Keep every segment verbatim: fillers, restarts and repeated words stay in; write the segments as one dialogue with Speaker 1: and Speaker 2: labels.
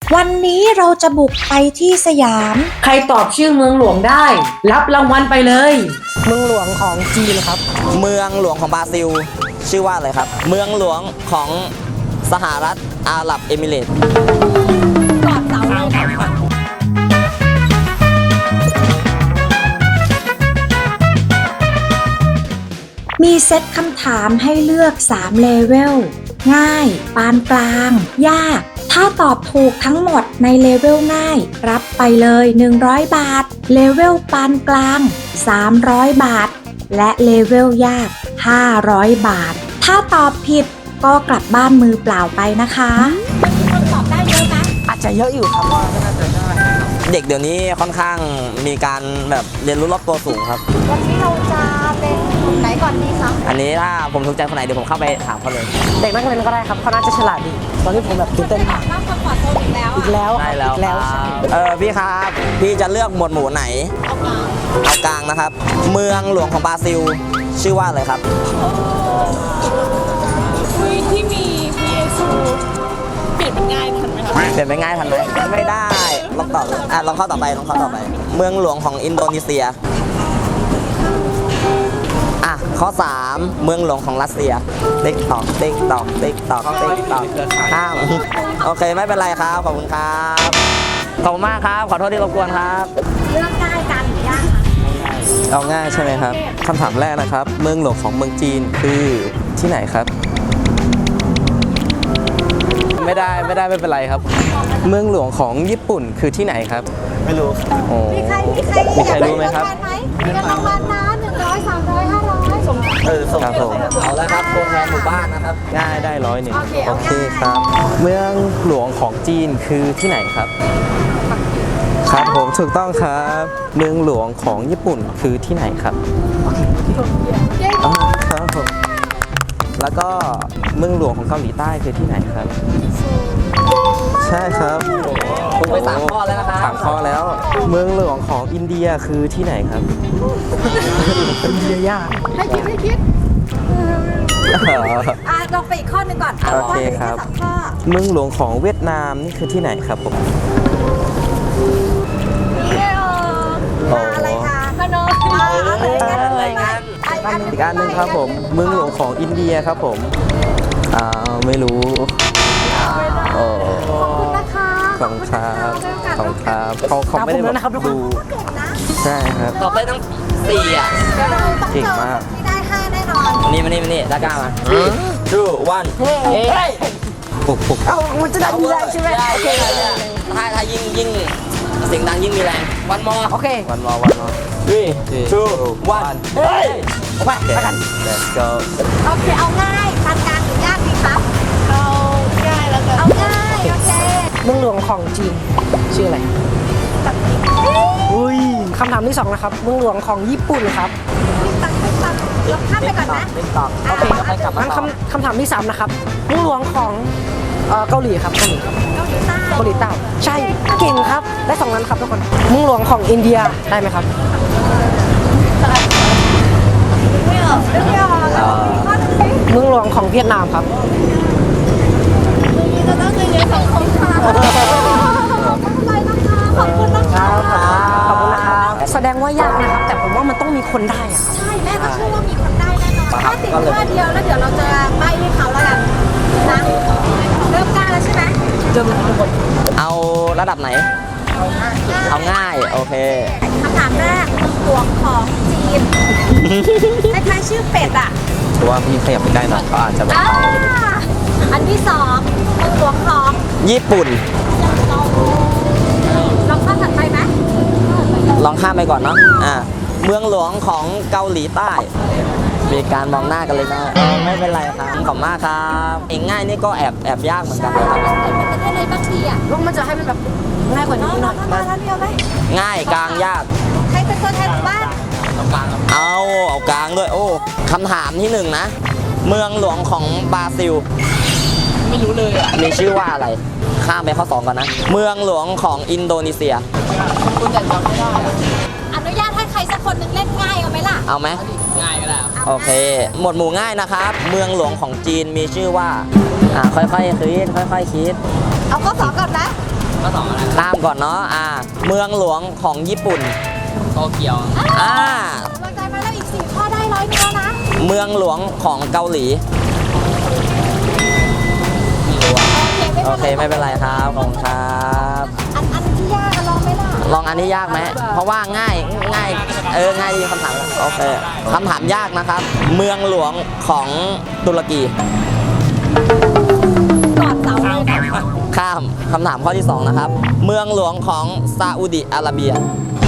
Speaker 1: วันนี้เราจะบุกไปที่สยาม
Speaker 2: ใครตอบชื่อเมืองหลวงได้รับรางวัลไปเลย
Speaker 3: เมืองหลวงของจีนครับ
Speaker 4: เมืองหลวงของบราซิลชื่อว่าอะไรครับเมืองหลวงของสหรัฐอาหรับเอมิเรตส์
Speaker 1: กอดเสาเลยค่ะมีเซตคำถามให้เลือกสามเลเวลง่ายปานกลางยากถ้าตอบถูกทั้งหมดในเลเวลง่ายรับไปเลยหนึ่งร้อยบาทเลเวลปานกลางสามร้อยบาทและเลเวลยากห้าร้อยบาทถ้าตอบผิดก็กลับบ้านมือเปล่าไปนะคะมันมีคนตอบได้เยอะไหม
Speaker 3: อาจจะเยอะอยู่ครับว่าน่าจะได้
Speaker 4: เด็กเดี๋ยวนี้ค่อนข้างมีการแบบเรียนรู้รอบตัวสูงครับ
Speaker 1: วันนี้เราจะเป็นกลุ่มไหนก่อนดีคะ
Speaker 4: อันนี้ถ้าผมถูกใจคนไหนเดี๋ยวผมเข้าไปถามเขาเลย
Speaker 3: เด็กนักเรียนก็ได้ครับเขาน่าจะฉลาดดีตอนนี้ผมแบบตื่นเต้นมาก
Speaker 1: มากคอมฟอร์ตโซนอีกแล้ว
Speaker 3: อีกแล้ว
Speaker 4: ได้แล้ว
Speaker 3: อีกแล้วใช่
Speaker 4: เออพี่ครับพี่จะเลือกหมวดหมู่ไหน
Speaker 1: เอากลาง
Speaker 4: เอากลางนะครับเมืองหลวงของบราซิลชื่อว่าอะไรครับ
Speaker 5: ที่มีพระเยซูเปลี่ยนเป็นง่ายทันไหมคะ
Speaker 4: เปลี่ยนไปง่ายทันไหมไม่ได้ลองตอบอ่ะลองเข้าต่อไปลองเข้าต่อไปเมืองหลวงของอินโดนีเซียอ่ะข้อสามเมืองหลวงของรัสเซียติ๊กตอกติ๊กตอกติ๊กตอกติ๊กตอกอ้าวโอเคไม่เป็นไรครับขอบคุณครับขอบคุณมากครับขอโทษที่รบกวนครับ
Speaker 1: เลือกง่ายกันหรือยากคะ
Speaker 6: เอาง่ายใช่ไหมครับคำถามแรกนะครับเมืองหลวงของเมืองจีนคือที่ไหนครับไม่ได้ไม่ได้ไม่เป็นไรครับเมืองหลวงของญี่ปุ่นคือที่ไหนครับ
Speaker 4: ไม่รู้
Speaker 6: โอ้
Speaker 1: มีใครมีใคร
Speaker 6: มีใครรู้ไหมครับ
Speaker 1: มีกันรางวัลนะหนึ่งร้อยสามร้อยห้าร้อยสม
Speaker 4: เออส่งผมเอาแล้วครับตัวแทนหมู่บ้านนะครับ
Speaker 6: ง่ายได้ร้อยหนึ่ง
Speaker 1: โอเค
Speaker 6: ครับเมืองหลวงของจีนคือที่ไหนครับครับผมถูกต้องครับเมืองหลวงของญี่ปุ่นคือที่ไหนครับครับผมแล้วก็เมืองหลวงของเกาหลีใต้คือที่ไหนครับใช่ครับ
Speaker 4: ผมไปสามข้อแล้วนะครับ
Speaker 6: สามข้อแล้วเมืองหลวงของอินเดียคือที่ไหนครับ
Speaker 3: อินเดียยาก
Speaker 1: ให้คิดให้คิดอ่ะลองไปอีกข้อหนึ่งก่อน
Speaker 6: โอเคครับเมืองหลวงของเวียดนามนี่คือที่ไหนครับผม
Speaker 1: อะไรคะพนม
Speaker 6: อะไรกันอีกอันหนึ่งครับผมเมืองหลวงของอินเดียครับผมอ่าไม่รู้โอ้
Speaker 1: ขอบคุณนะคะ
Speaker 6: ขอบคุณครับขอบคุณครับเขาเขาไม่ได้แบบดูใช่ครับ
Speaker 4: ตอบได้ทั้งสี่อ่ะ
Speaker 6: เก่งมาก
Speaker 1: ไม่ได้ห้าแน่นอน
Speaker 4: นี่มานี่มานี่ด้ากล้ามาtwo one เฮ้ย
Speaker 6: ปุกปุก
Speaker 3: เอ้ามันจะได้มีแรงใช่ไหมโอเค
Speaker 4: ถ้าถ้ายิ่งยิ่งเสียงดังยิ่งมีแรงวันมอ
Speaker 3: โอเค
Speaker 6: วันมอวันมอ
Speaker 4: three two one เฮ้ย
Speaker 3: ไปไปกัน
Speaker 6: let's go
Speaker 1: โอเคเอาง่ายปานกลางหรือยากดีครับ
Speaker 5: เอาง่ายแล้วกัน
Speaker 1: เอาง่ายโอเค
Speaker 3: เมืองหลวงของจีนชื่ออะไรอุ้ยคำถามที่สองนะครับเมืองหลวงของญี่ปุ่นครับ
Speaker 1: ติ๊กตักติ๊กตักเราข้ามไปก่อนนะ
Speaker 4: ติ๊กตัก
Speaker 3: โอเคงั้นคำคำถามที่สามนะครับเมืองหลวงของเกาหลีครับเกาหลีครับ
Speaker 1: เกาหลีใต้
Speaker 3: เกาหลีใต้ใช่เก่งครับได้สองนั้นครับทุกคนเมืองหลวงของอินเดียได้ไหมครับ
Speaker 1: ไม่ออกไม่ออกข้อหนึ่งสิ
Speaker 3: เมืองหลวงของเวียดนามครับ
Speaker 1: จะต้องเรียนสังคมค่ะขอบคุณเลยนะคะขอบคุณนะคะ
Speaker 3: ขอบคุณนะครับแสดงว่ายากนะครับแต่ผมว่ามันต้องมีคนได้อะ
Speaker 1: ใช่แม่ก็เชื่อว่ามีคนได้แน่นอนถ้าติดข้อเดียวแล้วเดี๋ยวเราจะใบให้เขาแล้วกันนะเริ่มกล้าแล้วใช่ไหม
Speaker 3: เริ่มทุกคน
Speaker 4: เอาระดับไหนเอาง่ายโอเค
Speaker 1: คำถามแรกเมืองหลวงของจีนคล้ายๆชื่อเป็ดอ่ะ
Speaker 6: ถือว่าพี่ขยับไปใกล้หน่อยก็อาจจะแบบ
Speaker 1: อันที่สองเมืองหลวงของ
Speaker 4: ญี่ปุ่น
Speaker 1: ลองข้ามถัดไปไหม
Speaker 4: ลองข้ามไปก่อนเนาะอ่าเมืองหลวงของเกาหลีใต้มีการมองหน้ากันเลยนะไม่เป็นไรครับขอบมากครับเองง่ายนี่ก็แอบแอบยากเหมือนกันเลยครับ
Speaker 1: เป็นได้เลยบางทีอ่ะ
Speaker 3: ลูกมันจะให้มันแบบง่ายกว่านี้หน่อย
Speaker 1: มาแล้วเดียวไหม
Speaker 4: ง่ายกลางยาก
Speaker 1: ใครเป็นตัวแทนหมู่บ้าน
Speaker 4: เอาเอากลางด้วยโอ้คำถามที่หนึ่งนะเมืองหลวงของบราซิล
Speaker 5: ไม่รู้เลยอ่ะ
Speaker 4: มีชื่อว่าอะไรข้ามไปข้อสองก่อนนะเมืองหลวงของอินโดนีเซีย
Speaker 5: คุณแต่จำไม่ได้
Speaker 1: อนุญาตให้ใครสักคนหนึ่งเล่นง่ายเอาไหมล่ะ
Speaker 4: เอาไหม
Speaker 5: ง่ายก็ได้
Speaker 4: โอเคหมวดหมู่ง่ายนะครับเมืองหลวงของจีนมีชื่อว่าอ่าค่อยๆคิดค่อยๆคิด
Speaker 1: เอาข้อสองก่อนนะ
Speaker 5: ม
Speaker 4: ผมก่อนเนาะอ่าเมืองหลวงของญี่ปุ่น
Speaker 6: โตเกียว
Speaker 4: อ่า
Speaker 5: กำลังใจมาแล้วอีกสี่ข้อได้ร้อยเดียวนะ
Speaker 4: เมืองหลวงของเกาหลี โอเคไม่เป็นไรครับขอบคุณครับ
Speaker 5: อันอันที่ยากอะลองไหมล่ะ
Speaker 4: ลองอันที่ยากไหมเพราะว่าง่ายง่ายเออง่ายดีคำถามโอเคคำถามยากนะครับ เมืองหลวงของตุรกี
Speaker 5: ก่อนเสาเลยนะ
Speaker 4: ข้ามคำถามข้อที่สองนะครับ เมืองหลวงของซาอุดิอาระเบีย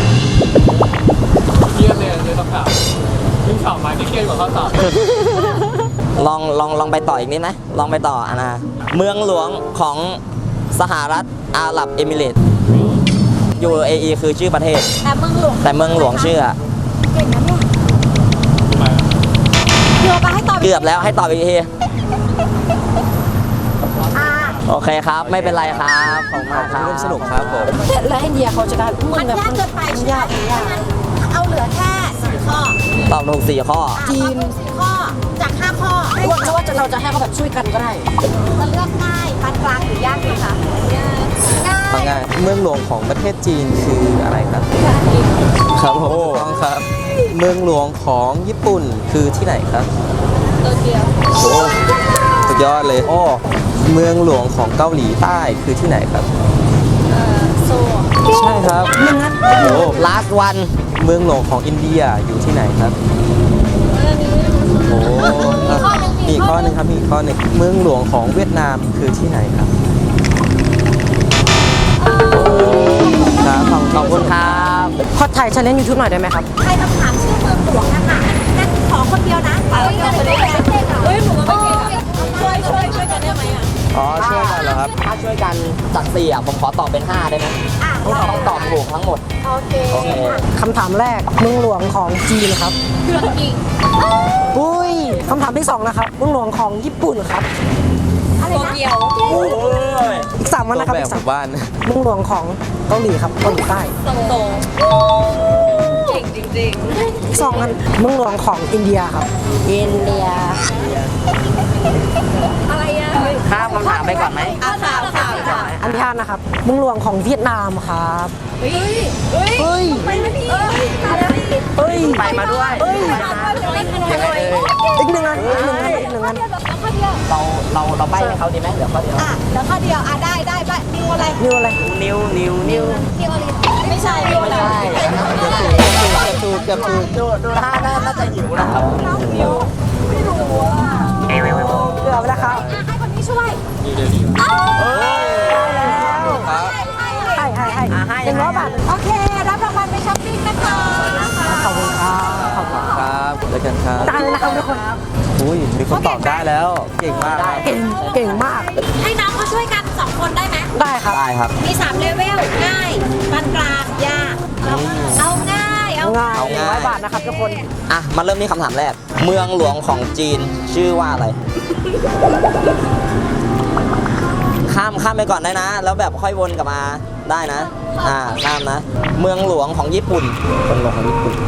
Speaker 6: เครียดเลยเลยคำถามยิ่งสอบมาที่เครียดกว่าข้อสอบ
Speaker 4: ลองลองลองไปต่ออีกนิดไหมลองไปต่ออ่ะนะเมืองหลวงของสหรัฐอาหรับเอมิเรตส์ ยู เอ อี คือชื่อประเทศ
Speaker 5: แต่เมืองหลวง
Speaker 4: แต่เมืองหลวงชื่ออะ
Speaker 5: เก่งนะเนี่ยเดี๋ยวไปให้ตอบ
Speaker 4: เกือบแล้วให้ตอบอีกที
Speaker 5: อ่า
Speaker 4: โอเคครับ ไม่เป็นไรครับขอบคุณมากครับ
Speaker 6: ร่วมสนุกครับผม
Speaker 3: และอินเดียเขาจะได้มึ
Speaker 5: มัน
Speaker 3: งแบบ
Speaker 5: ยากเกินไปใช่ไหมงั้นเอาเหลือแค่สี่ข้อ
Speaker 4: ตอบถูกสี่ข้อ
Speaker 5: จีนสี่ข้อ จากห้าข้อ
Speaker 3: ว่าจะว่าจะเราจะให้เขาแบบช่วยกันก็ได้
Speaker 5: จะเลือกง่ายปานกลางหรือยากดีคะง่าย
Speaker 6: ฟังง่ายเมืองหลวงของประเทศจีนคืออะไรครับครับผมถูกต้องครับ เมืองหลวงของญี่ปุ่นคือที่ไหนครับ
Speaker 5: โตเกียว
Speaker 6: โอ้สุดยอดเลยโอ้เมืองหลวงของเกาหลีใต้คือที่ไหนครับ
Speaker 5: โซ
Speaker 6: ใช่ครับโอ้
Speaker 4: last one
Speaker 6: เมืองหลวงของอินเดียอยู่ที่ไหนครับโอ้มีอีกข้อหนึ่งครับมีอีกข้อหนึ่งเมืองหลวงของเวียดนามคือที่ไหนครับครับขอบ
Speaker 4: ขอบคุณครับ
Speaker 3: ขอถ่ายชาเลนจ์ยูทูบหน่อยได้ไหมครับ
Speaker 5: ใครคำถามชื่อเมืองหลวงนะคะงั้นขอคนเดียวนะเฮ้ยเฮ้ยเฮ้ยหนูก็ไม่เก่งช่วยช่วยช่วยกันได้ไหมอ่ะ
Speaker 6: อ๋อช่วยกันเหรอครับ
Speaker 4: ถ้าช่วยกันจากสี่อ่ะผมขอตอบเป็นห้าได้ไหม
Speaker 5: อ่ะ
Speaker 4: ต้องต้องตอบถูกทั้งหมด
Speaker 5: โอเค
Speaker 4: โอเค
Speaker 3: คำถามแรกเมืองหลวงของจีนครับ
Speaker 5: เครื่องยิง
Speaker 3: อุ้ยคำถามที่สองนะครับเมืองหลวงของญี่ปุ่นครับ
Speaker 5: อะไรนะ
Speaker 4: โอ้ย
Speaker 3: อีกสามวันนะครับ
Speaker 6: แบ
Speaker 3: อี
Speaker 6: บ
Speaker 3: ก
Speaker 6: ห
Speaker 3: สาม
Speaker 6: มู่บ้าน
Speaker 3: เมืองหลวงของเกาหลีครับเกาหลีใต้
Speaker 5: ตรงตรงเก่งจริง
Speaker 3: อีกสองอันเมืองหลวงของอินเดียครับ อินเดีย
Speaker 5: ๆอะไรอ่ะ
Speaker 4: ข้ามคำถามไปก่อนไหม
Speaker 5: อ่ะข่าวข่าวข่าว
Speaker 3: อันที่ห้านะครับเมืองหลวงของเวียดนามครับ
Speaker 5: เฮ้ยเฮ้ย
Speaker 3: เฮ้ย
Speaker 5: ไปไหมพี่เฮ้ยมาแล้วพี่
Speaker 3: เฮ้ย
Speaker 4: ไปมาด้วย
Speaker 3: เฮ้ย
Speaker 5: ไปเลย
Speaker 3: อีกหนึ่งอันอีกหนึ่งอันอีกหนึ่งอัน
Speaker 5: แล้วข้อเดียว
Speaker 4: เราเราเราใบให้เขาดีไหมเดี๋ยวข้อเดียว
Speaker 5: อ่ะแล้วข้อเดียวอ่ะได้ได้ไปนิวอะไร
Speaker 3: นิวอะไร
Speaker 4: นิวนิวนิว
Speaker 5: นิวอะไรไม่ใช่นิวอะไร
Speaker 4: ใช่เกือบถูกเกือบถูกดูดูท่าน่าจะหิวนะครับ
Speaker 5: นิวไม่รู้อ่ะ
Speaker 3: เกือบแล้วครับ
Speaker 5: ให้คนนี้ช่วย
Speaker 6: ครับ
Speaker 3: ให้ให้ให้
Speaker 4: อ่ะให้
Speaker 3: หนึ่งร้อยบาท
Speaker 5: โอเค รับรางวัลไปช้อปปิ้งนะคะ
Speaker 3: ขอบคุณครับขอบคุณ
Speaker 6: ครับแล้วกันครับ
Speaker 3: ตายเลยนะครับทุกคน
Speaker 6: อุ้ยมีคนตอบได้แล้ว เก่งมากครับ
Speaker 3: เก่งเก่งมาก
Speaker 5: ให้น้องเขาช่วยกันสองคนได้ไหม
Speaker 3: ได้ครับ
Speaker 6: ได้ครับ
Speaker 5: มีสามเลเวล ง่ายปานกลางยากเอาเอาง่าย เอา
Speaker 3: ง่าย
Speaker 6: เอา
Speaker 3: หนึ่ง
Speaker 6: ง่าย
Speaker 3: ร้อยบาทนะครับทุกคน
Speaker 4: อ่ะมาเริ่มที่คำถามแรก เมืองหลวงของจีนชื่อว่าอะไร ข้ามข้ามไปก่อนได้นะ แล้วแบบค่อยวนกลับมาได้นะ อ่าข้ามนะ เมืองหลวงของญี่ปุ่นเมืองหลวงของญี่ปุ่น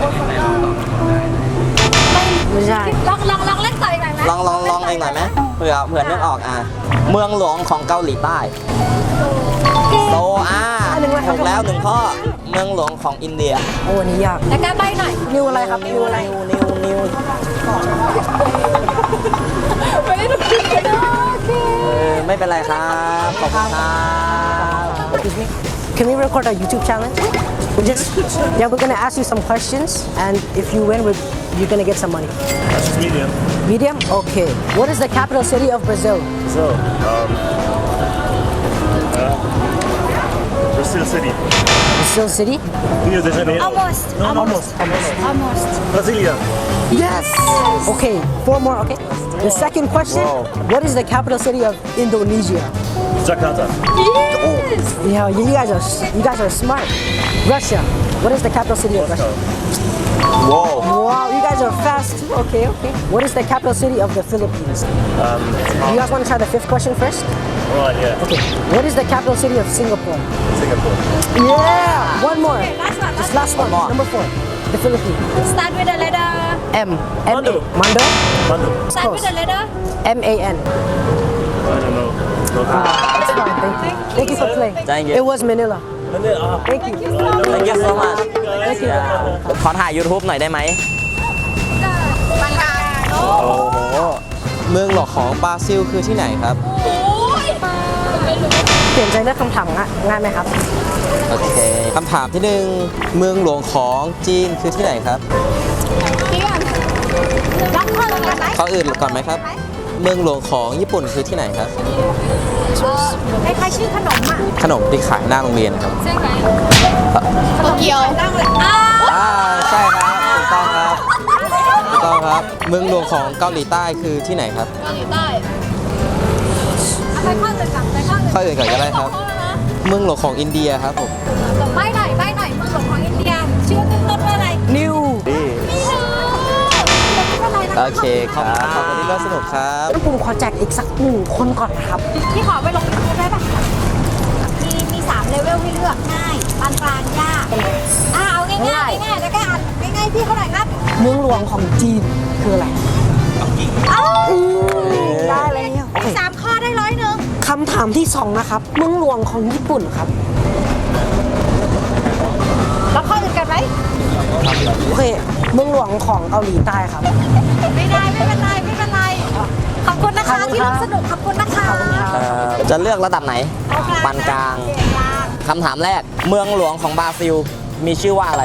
Speaker 3: ไม่ใช่
Speaker 5: ลองลองลองเล่นต่ออีกหน่อยไหม
Speaker 4: ลองลองลองเองหน่อยไหมเผื่อเผื่อนึกออกอ่ะเมืองหลวงของเกาหลีใต้โซอาถูกแล้วหนึ่งข้อ เมืองหลวงของอินเดีย
Speaker 3: โอ้อันนี้ยาก
Speaker 5: แล้วก็ใบหน่อย
Speaker 3: นิวอะไรครับ นิวอะไร
Speaker 4: นิวนิว
Speaker 5: ไม่ได้ถูกจริงเลยโอเค
Speaker 4: เออไม่เป็นไรครับ ขอบคุณครับ
Speaker 3: Excuse me. Can we record a YouTube challenge? We just yeah, we're gonna ask you some questions, and if you win, we're, you're gonna get some money.
Speaker 7: Medium.
Speaker 3: Medium? Okay. What is the capital city of Brazil?
Speaker 7: So, um, uh, Brazil City.
Speaker 3: Brazil City?
Speaker 7: Rio de Janeiro.
Speaker 5: Almost.
Speaker 7: No, almost. Almost.
Speaker 5: Almost.
Speaker 7: Brasilia.
Speaker 3: Yes. Okay. Four more. Okay. The second question.
Speaker 6: Wow.
Speaker 3: What is the capital city of Indonesia?
Speaker 7: Jakarta.
Speaker 5: Yes.
Speaker 3: Yeah, you guys are you guys are smart. Russia. What is the capital city of Russia?
Speaker 6: Wow.
Speaker 3: Wow, you guys are fast too. Okay, okay. What is the capital city of the Philippines?
Speaker 7: Um,
Speaker 3: You guys want to try the fifth question first?
Speaker 7: right, yeah.
Speaker 3: Okay. What is the capital city of Singapore?
Speaker 7: Singapore.
Speaker 3: Yeah. One more.
Speaker 5: Okay, last one,
Speaker 3: Just
Speaker 5: last
Speaker 3: last one.
Speaker 4: more.
Speaker 3: Number four. The Philippines.
Speaker 5: Start with the letter.
Speaker 3: M. M.
Speaker 7: Mando.
Speaker 3: Mando.
Speaker 7: Bandung.
Speaker 5: Start with the letter.
Speaker 3: M A N.
Speaker 7: I don't know. No clue.
Speaker 3: That's fine. Thank you. Thank you for playing.
Speaker 4: Thank you.
Speaker 3: It was Manila. Thank you
Speaker 4: Thank you so much ขอถ่าย YouTube หน่อยได้ไหม
Speaker 6: โอ้โห เมืองหลวงของบราซิลคือที่ไหนครับ
Speaker 3: เปลี่ยนใจเลือกคำถามง่ายง่ายไหมครับ
Speaker 6: โอเคคำถามที่หนึ่งเมืองหลวงของจีนคือที่ไหนครับ
Speaker 5: รับเพิ่มกันไหม
Speaker 6: ข้ออื่นก่อนไหมครับ เมืองหลวงของญี่ปุ่นคือที่ไหนครับ
Speaker 5: คล้ายๆชื่อขนมอ่ะ
Speaker 6: ขนมที่ขายหน้าโรงเรียนครับ
Speaker 5: ใช่ไหมโตเกียวนั่งเลยอ้าว
Speaker 6: อ่าใช่ครับถูกต้องครับถูกต้องครับ เมืองหลวงของเกาหลีใต้คือที่ไหนครับ
Speaker 5: เกาหลีใต้ไปข้ออื่นก่อนไปข้ออื่น
Speaker 6: ข้ออื่นก่อนก็ได้ครับ เมืองหลวงของอินเดียครับผม
Speaker 5: ใบหน่อยใบหน่อยเมืองหลวงของอินเดียชื่อขึ้นต้นว่าอะไร
Speaker 3: New
Speaker 5: ไม่รู้ไม่เป็นไรนะ
Speaker 6: โอเคครับขอบคุณที่ร่วมสนุกครับ
Speaker 3: งั้นผมขอแจกอีกสักหนึ่งคนก่อนนะครับ
Speaker 5: พี่ขอไปลงยูทูบได้ปะมีมีสามเลเวลให้เลือกง่ายปานกลางยากอ่าเอาง่ายๆง่ายๆง่ายๆแล้วก็อ่านง่ายๆพี่เขาหน่อยครับ
Speaker 3: เมืองหลวงของจีนคืออะไร
Speaker 5: เอ้า
Speaker 3: ได้เลยโอเค
Speaker 5: สามข้อได้ร้อยหนึ่ง
Speaker 3: คำถามที่สองนะครับ เมืองหลวงของญี่ปุ่นครับ
Speaker 5: แล้วข้ออื่นกันไหม
Speaker 3: โอเค เมืองหลวงของเกาหลีใต้ครับ
Speaker 5: ไม่ได้ไม่เป็นไรไม่เป็นไรขอบคุณนะคะ
Speaker 3: ขอบคุณ
Speaker 5: ที่
Speaker 3: ครั
Speaker 5: ร่ว
Speaker 3: บ
Speaker 5: มสนุกขอบคุณนะคะ
Speaker 3: ขอบคุณครับ
Speaker 4: เอ่อจะเลือกระดับไหน ปานกลาง
Speaker 5: กลาง
Speaker 4: คำถามแรก เมืองหลวงของบราซิล มีชื่อว่าอะไร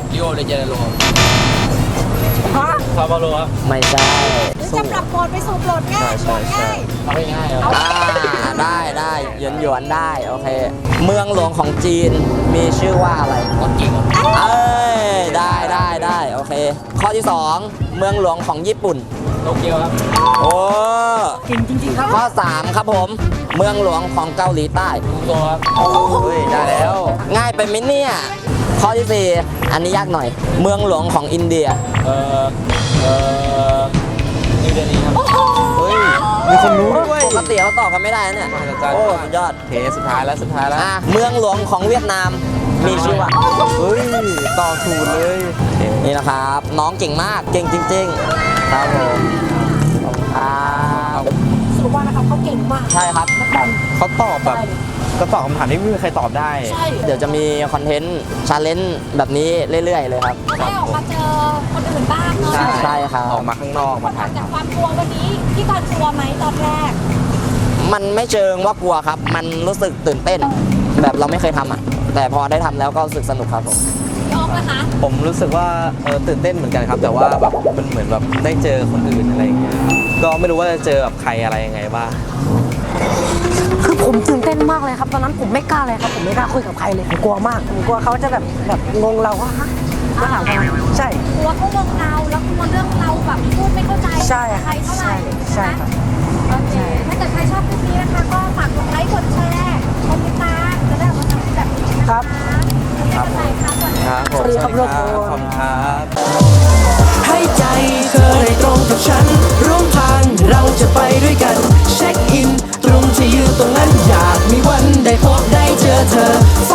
Speaker 7: ซาบาโลครับ
Speaker 4: ไม่ใช่
Speaker 5: หรือจะปรับโหมดไปสู่โหมดง่ายโหมดง่าย
Speaker 4: อ่าได้ได้หยวนหยวนๆได้ โอเค เมืองหลวงของจีน มีชื่อว่าอะไรปักกิ่งเอ้ย ได้ได้ได้โอเค ข้อที่สองเมืองหลวงของญี่ปุ่น โตเกียวครับ โอ้เก่งจริงๆครับ ข้อสามครับผม เมืองหลวงของเกาหลีใต้โตครับเฮ้ย ได้แล้ว ง่ายไปไหมเนี่ย ข้อที่สี่อันนี้ยากหน่อย เมืองหลวงของอินเดีย
Speaker 6: เออเออนิวเดลีครับ เฮ้ย มีคนรู้ด้วย
Speaker 4: ปกติเขาตอบกันไม่ได้นะเนี่ย โอ้สุดยอด
Speaker 6: โอเคสุดท้ายแล้วสุดท้ายแล้ว
Speaker 4: อ่ะเมืองหลวงของเวียดนาม มีชื่อว่า
Speaker 6: เฮ้ยตอบถูกเลยโอเค
Speaker 4: นี่นะครับ น้องเก่งมาก เก่งจริง ๆ ครับผมอ่า
Speaker 3: สรุปว่านะครับเขาเก่งมาก
Speaker 4: ใช่ครับ
Speaker 6: เขาตอบแบบก็ตอบคำถามที่ไม่มีใครตอบได้
Speaker 4: เดี๋ยวจะมีคอนเทนต์ชาเลนจ์แบบนี้เรื่อย ๆ เลยครับ
Speaker 5: ได้ออกมาเจอคนอื่นบ้างเนาะ
Speaker 6: ใช่
Speaker 4: ใช่ครับ
Speaker 6: ออกมาข้างนอกมาถ่าย
Speaker 5: จากความกลัววันนี้พี่กรณ์กลัวไหมตอนแรก
Speaker 4: มันไม่เชิงว่ากลัวครับ มันรู้สึกตื่นเต้น แบบเราไม่เคยทำอ่ะ แต่พอได้ทำแล้วก็รู้สึกสนุกครับผม
Speaker 5: ยกนะคะ
Speaker 6: ผมรู้สึกว่าเออตื่นเต้นเหมือนกันครับ แต่ว่าแบบมันเหมือนแบบได้เจอคนอื่นอะไรอย่างเงี้ยก็ไม่รู้ว่าจะเจอแบบใครอะไรยังไงบ้าง
Speaker 3: คือผมตื่นเต้นมากเลยครับ ตอนนั้นผมไม่กล้าเลยครับ ผมไม่กล้าคุยกับใครเลยผมกลัวมาก ผมกลัวเขาจะแบบแบบงงเราว่าฮะมาถามทำไมใช่
Speaker 5: กลัวเขามองเราแล้วกลัวเรื่องเราแบบพูดไม่เข้าใจ
Speaker 3: ใช่
Speaker 5: ใครเท่าไหร่
Speaker 3: ใช่ครับ
Speaker 5: โอเคถ้าเกิดใครชอบคลิปนี้นะคะก็ฝากกดไลค์กดแชร์กดติดตามจะได้ออกมาทำแบบนี้นะคะ
Speaker 3: ครับ
Speaker 5: ครับผมครับสวัสดี
Speaker 6: ค
Speaker 5: ค่ะ
Speaker 6: รับผม
Speaker 3: สวัสดีครับ
Speaker 6: สวัสดีครับขอบคุณครับ
Speaker 8: ให้ใจเธอได้ตรงกับฉัน ร่วมทางเราจะไปด้วยกัน เช็คอิน ตรงที่ยืนตรงนั้นอยากมีวันได้พบได้เจอเธอ